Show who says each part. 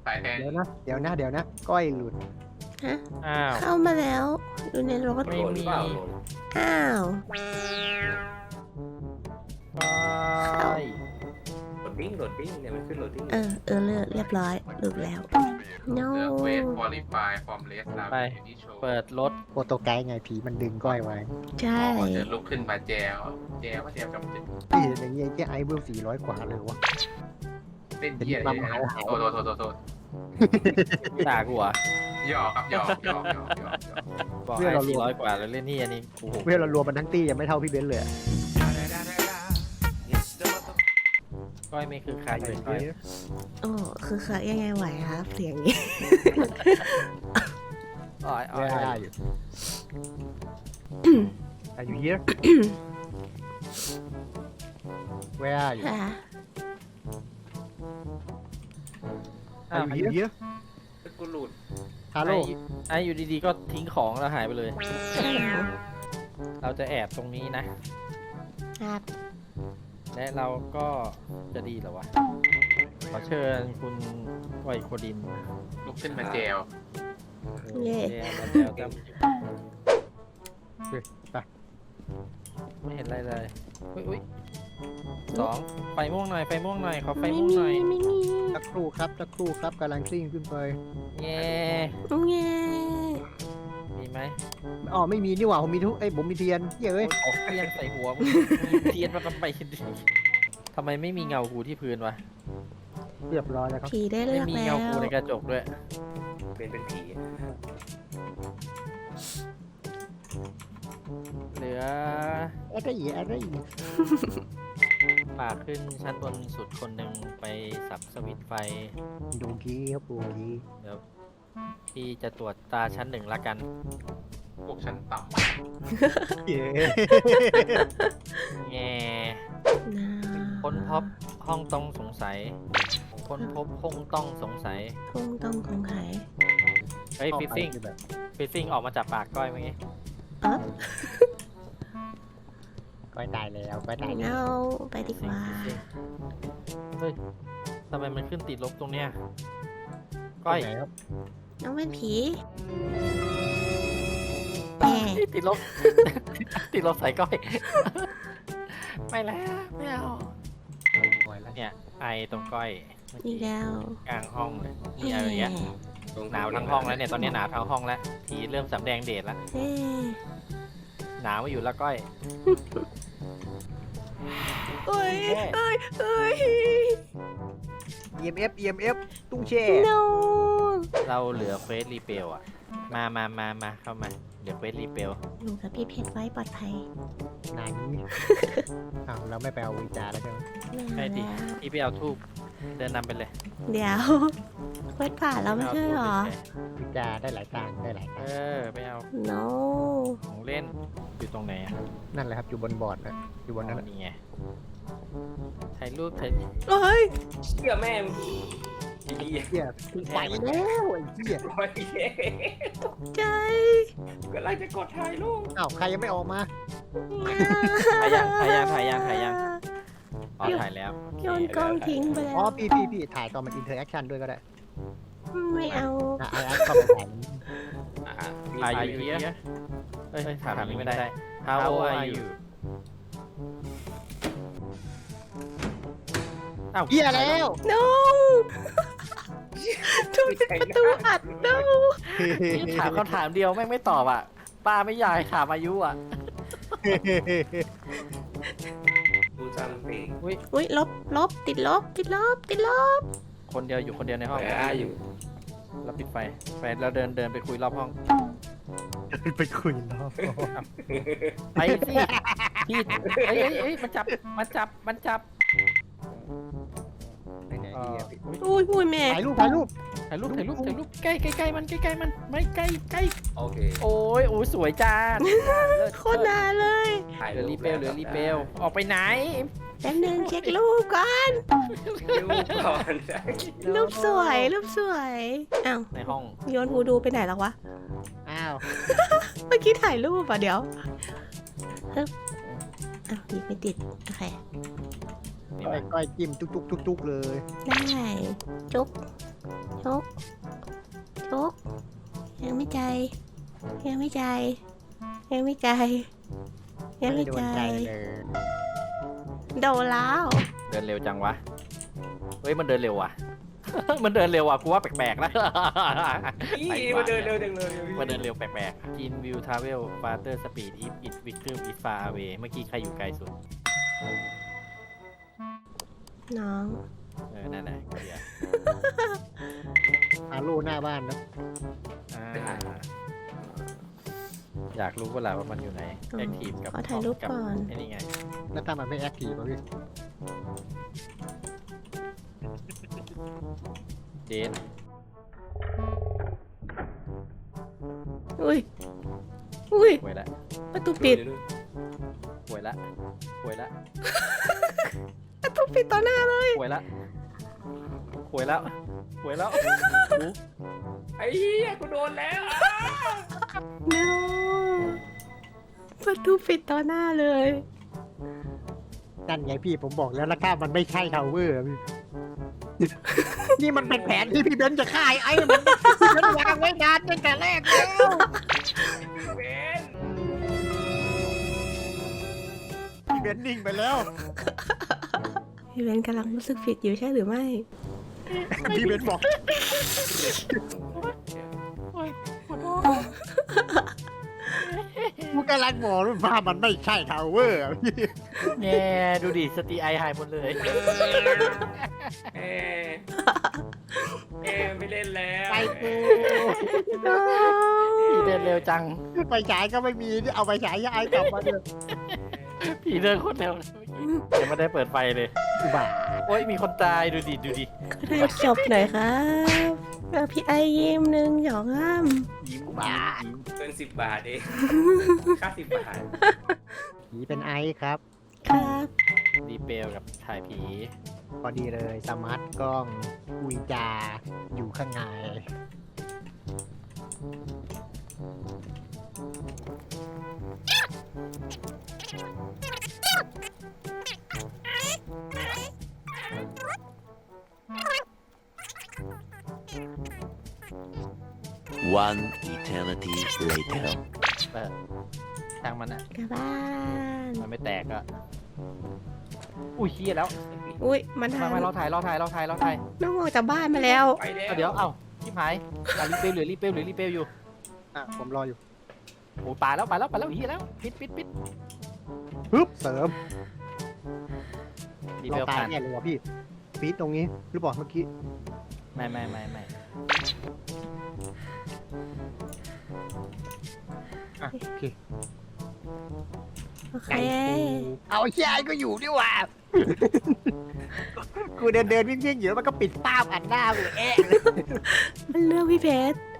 Speaker 1: สายแทน
Speaker 2: เดี๋ยวนะก้อยหลุด
Speaker 3: ฮะ
Speaker 4: อ้าว
Speaker 3: เข้ามาแล้วอยู่ในรถ
Speaker 4: ไม่มี
Speaker 3: อ้าว
Speaker 4: ไป
Speaker 5: โหลดดิ้งเนี่ยมันขึ้นโหลดดิ้ง
Speaker 3: เรียบร้อยหลุดแล้ว no
Speaker 1: เลือกเวทควอลิฟายฟอร์มเลสตามที่โชว์
Speaker 4: เปิดรถ
Speaker 2: โปรโตไกด์ไงผีมันดึงก้อยไว้
Speaker 3: ใช่
Speaker 1: จะลุกขึ้นมาแจวว่าแจวกับ
Speaker 2: พี่อย่างเงี้ยแค่ไอเบล400 กว่าเลยวะ
Speaker 1: เต้นเยี่ยเลยโทษ
Speaker 4: ด่ากูเหรอ่ะ
Speaker 1: หยอกครับหยอก
Speaker 4: บอกให้400 กว่าแล้วเล่นนี่อันนี้โอ้โห
Speaker 2: เวลเรารวมมันทั้งตี้ยังไม่เท่าพี่เบนซ์เลยอะ
Speaker 4: ก้อยไม่คือคักเลยก้อย
Speaker 3: โอ้คือเขายังไงไหวครับเสียงนี้
Speaker 4: อ้อย
Speaker 2: Where are you Are you here Where are you
Speaker 3: ค่ะ
Speaker 2: Are you here
Speaker 5: กูหลุด
Speaker 2: ฮัลโหล
Speaker 4: ไอ้อยู่ดีๆก็ทิ้งของแล้วหายไปเลย
Speaker 3: ใช่แล้ว
Speaker 4: เราจะแอบตรงนี้นะ
Speaker 3: ครับ
Speaker 4: และเราก็จะดีเหรอวะ ขอเชิญคุณไวโคดิน
Speaker 1: ลุกขึ้นมาแจว
Speaker 3: เย่
Speaker 4: มาแล้วแต่
Speaker 2: ไป
Speaker 4: ไม่เห็นอะไรเลยอุ้ย2ไฟม่วงหน่อย ขอไฟ
Speaker 3: ไม่
Speaker 4: ม่วง
Speaker 3: มี
Speaker 4: หน่อย
Speaker 3: ไม่มี
Speaker 2: สักครู่ครับกำลังซิ่งขึ้นไป
Speaker 4: แง่
Speaker 3: เย่
Speaker 4: มีไหม
Speaker 2: อ๋อไม่มีนี่หว่าผมมีทุกผมมีเทียนเย้ย
Speaker 4: ออกเทียนใส่หัวมึงเทียนมาทำไมทำไมไม่มีเงากูที่พื้นวะ
Speaker 2: เรียบร้อยแล้วครับ
Speaker 3: ผีได้
Speaker 4: ไม่
Speaker 3: เลือก
Speaker 4: มี
Speaker 3: แล้
Speaker 4: เงาว กูในกระจกด้วย
Speaker 5: เป็นผี
Speaker 4: เหลือ
Speaker 2: อะไรอีก
Speaker 4: ปากขึ้นชั้นบนสุดคนหนึ่งไปสับสวิตช์ไฟ
Speaker 2: ดูกี้ครับดูกี้
Speaker 4: เดี๋ยวพี่จะตรวจตาชั้น1ละกัน
Speaker 1: พวกชั้นต่
Speaker 2: เย้
Speaker 4: แง่
Speaker 3: นะ
Speaker 4: ค้นพบห้องต้องสงสัย ค้นพบห้องต้องสงสัย
Speaker 3: คงต้องคงไข
Speaker 4: เฮ้ยฟิซซิ่ง
Speaker 2: แบบ
Speaker 4: ฟิซซิ่งออกมาจากปากก้อยเมื่อกี้
Speaker 3: อ๊อฟ
Speaker 2: ก้อยตายแล้ว
Speaker 3: เอาไปดีกว่า
Speaker 4: ฟิซซิ่งเฮ้ยทำไมมันขึ้นติดลบตรงเนี้ยก้อย
Speaker 2: ไหนครับ
Speaker 3: น้องเป็นผีแหม
Speaker 4: ติดลบ ติดลบใส่ก้อย ไม่แล้วไม่เอา
Speaker 2: ปล่อยแล้ว
Speaker 4: เนี่ยไอตรงก้อยเมื่อ
Speaker 3: อี
Speaker 4: กี้
Speaker 3: กแล้ว
Speaker 4: กลางห้องเลยนี่อะไรเงี้ยหนาวทั้งห้องแล้วเนี่ยตอนนี้หนาวทั้งห้องแล้วผีเริ่มสำแดงเดชแล้ว
Speaker 3: เฮ้
Speaker 4: หนาวมาอยู่แล้วก้อย
Speaker 3: เอ้ย
Speaker 4: เอ้ย
Speaker 3: เอ้ย
Speaker 2: EMF ตุ้งแช่
Speaker 3: no
Speaker 4: เราเหลือเควสรีเปลอะมาเข้ามาเหลือเควสรีเปล
Speaker 3: หนูกับพี่เพชรไว้ปลอดภัย
Speaker 2: ไหนอ้าวเราไม่ไปเอาวิจาแล้วใช่ไหม
Speaker 4: ใช่ดิพี่ไปเอาทูบเดินนำไปเลย
Speaker 3: เดี๋ยวเควสผ่านแล้วไม่ใช่เหรอ
Speaker 2: วิจาได้หลายตังค์ได้หลาย
Speaker 4: เอ
Speaker 2: ตังค์
Speaker 4: อไปเอา
Speaker 3: no
Speaker 4: ของเล่นอยู่ตรงไหนอะ
Speaker 2: นั่นแหละครับอยู่บนบอร์ดนะอยู่บนนั้น
Speaker 4: อ๋อนี่ไงถ่ายรูปถ่าย
Speaker 3: เอ้ย
Speaker 5: เชื่อแม่ม
Speaker 2: เหี้ยไปแล้วไอ้เหี้ย
Speaker 5: ไม่เย้
Speaker 3: ใจ
Speaker 5: กำลังจะกดถ่ายรูป
Speaker 2: อ้าวใครยังไม่ออกมา
Speaker 4: ถ่ายยังอ๋อถ่ายแล้ว
Speaker 3: โยนกล้องทิ้งไปแล้
Speaker 2: อ๋อ
Speaker 3: ว
Speaker 2: พี่ถ่ายตอนมันอินเทอร์แอคชั่นด้วยก็ได้
Speaker 3: ไม่เอา
Speaker 2: ไอ้เข้าไปถ่าย
Speaker 4: ถ่ายอยู่เนี้ยเฮ้ยถามนี้ไม่ได้ How old are you อ้าว
Speaker 2: เหี้ยแล้ว
Speaker 3: no ทุบประตูอัด no
Speaker 4: ถามคำถามเดียวแม่งไม่ตอบอ่ะ ป้าไม่อยากให้ถามอายุอ่ะ
Speaker 5: ดูจำเพลง
Speaker 3: อุ้ยลบติดลบ
Speaker 4: คนเดียวอยู่คนเดียวในห้อง
Speaker 5: แหวอยู่
Speaker 4: เราปิดไฟเราเดินไปคุยรอบห้อง
Speaker 2: ไปคุยรอบ
Speaker 4: ไปสิพี่เอ้ยมันจับ
Speaker 2: ไหนดีอะพี่
Speaker 3: อุ้ยแม่
Speaker 2: ถ่ายรูป
Speaker 4: ถ่ายรูปใกล้มันไม่ใกล้
Speaker 5: โอเค
Speaker 4: โอ้ยสวยจ้า
Speaker 3: โคตรนานเลย
Speaker 5: ถ่าย
Speaker 4: เหลือรีเปลออกไปไหน
Speaker 3: แป๊บนึงเช็ครูปก่อน
Speaker 5: รูปก่อน
Speaker 3: รูปสวยอ้าว
Speaker 4: ในห้อง
Speaker 3: โยนฮูดูไปไหนแล้ววะ
Speaker 2: อ้าว
Speaker 3: เมื่อกี้ถ่ายรูปอ่ะเดี๋ยวฮึบอ้าวหยิบไม่ติด โอเค
Speaker 4: นี่
Speaker 2: ก้อยจิ้มจุกเลย
Speaker 3: ได้ จุ๊บโจ๊กโจ๊กยังไม่ใจายยังไม่ใจายยังไม่ใจายยังไม่
Speaker 2: โดน
Speaker 3: ใจา
Speaker 2: ใจ
Speaker 3: ย
Speaker 2: เลย
Speaker 3: โดนแล้ว
Speaker 4: เดินเร็วจังวะ เฮ้ยมันเดินเร็วว่ะ มันเดินเร็วว่ะกูว่าแปลกๆนะ
Speaker 5: นี่มันเดินเร็วจังเลย
Speaker 4: มันเดินเร็วแปลกๆ In view travel faster speed if it victim is far away เมื่อกี้ใครอยู่ไกลสุด
Speaker 3: น้อง
Speaker 4: นั่นแหละเดี๋ยว
Speaker 2: อาลูหน้าบ้านนะ
Speaker 4: อยากรู้เวลาว่ามันอยู่ไหน แอคทีฟกับ
Speaker 3: ขอถ่ายรูปก่อน
Speaker 4: ไอ้นี่ไง
Speaker 2: แล้วถ้ามันไม่แอคทีฟอะพี่
Speaker 4: เดน
Speaker 3: อุ้ยอุ้ย
Speaker 4: ป่วยละ
Speaker 3: ประตูปิด
Speaker 4: ป่วยละป่วยละ
Speaker 3: ประตูปิดต่อหน้าเลย
Speaker 4: ป่วยละป่วยแล้วป่วยแล้ว
Speaker 5: ไอ้เหี้ยกูโดนแล้ว
Speaker 3: no ประตูปิดต่อหน้าเลย
Speaker 2: นั่นไงพี่ผมบอกแล้วถ้ามันไม่ใช่ทาวเวอร์อะพี่ นี่มันเป็นแผนที่พี่เบนซ์จะฆ่าไอ้มันพี่เบนซ์วางไว้นานตั้งแต่แรกแล้ว
Speaker 5: เบน
Speaker 2: พี่เบนซ์นิ่งไปแล้ว
Speaker 3: พี่เบนกำลังรู้สึกผิดอยู่ใช่หรือไม่
Speaker 2: พี่เบนซ์บอกกูกำลังบอกว่ามันไม่ใช่ทาวเวอร์อะพี่
Speaker 4: แง่ดูดิสติไอหายหมดเลย
Speaker 5: เอไม่เล่นแล้ว
Speaker 2: ไปกู
Speaker 4: ผีเดินเร็วจัง
Speaker 2: ไปฉายก็ไม่มีที่เอาไปฉายย้ายกลับมาเลย
Speaker 4: ผีเดินโคตรเร็วเลยยังไม่ได้เปิดไฟเลย
Speaker 2: อุบาท
Speaker 4: โอ้ยมีคนตายดูดิดูดิ
Speaker 3: ก็ได้จบหน่อยครับพี่ไอยิ้มหนึ่งหยองอ้ำ
Speaker 4: ยิ้ม
Speaker 2: บาท
Speaker 4: ยิ้ม
Speaker 5: เกิน10 บาทเองค่า10 บาท
Speaker 2: ผีเป็นไอซ์ครับ
Speaker 3: ครับ
Speaker 4: ดีเปลกับถ่ายผี
Speaker 2: พอดีเลยสมาร์ทกล้องอุยจาอยู่ข้างใน
Speaker 6: One eternity later.
Speaker 4: ช่างมันอ่ะ
Speaker 3: กลับบ้าน
Speaker 4: มันไม่แตกอ่ะ อุ้ยเฮียแล้ว
Speaker 3: อุ้ยมัน
Speaker 4: มา
Speaker 3: ทำ
Speaker 4: เราถ่าย
Speaker 3: น้องออกจากบ้านมาแล้ว
Speaker 5: ไปแล้ว
Speaker 4: เดี๋ยวเอ้าชิบหายรีเปลหรือรีเปลอยู่
Speaker 2: อ่ะผมรออยู่
Speaker 4: โอ้ปาแล้วเฮียแล้วปิด
Speaker 2: ปึ๊บเสริม
Speaker 4: รี
Speaker 2: เรา
Speaker 4: เปล
Speaker 2: ตาย
Speaker 4: ผ่าน
Speaker 2: แน่เลยวะพี่ฟีดตรงนี้หรือบอกเมื่อกี้
Speaker 4: ไม่
Speaker 2: อ่ะโอเค
Speaker 3: โอเค
Speaker 2: ไก่กูเอาไอ้ยายก็อยู่ดีกว่า กูเดินวิ่งอยู่แล้วมันก็ปิดป้าบอันหน้ากูเอ๊ะ
Speaker 3: มันเลือกพี่เพชร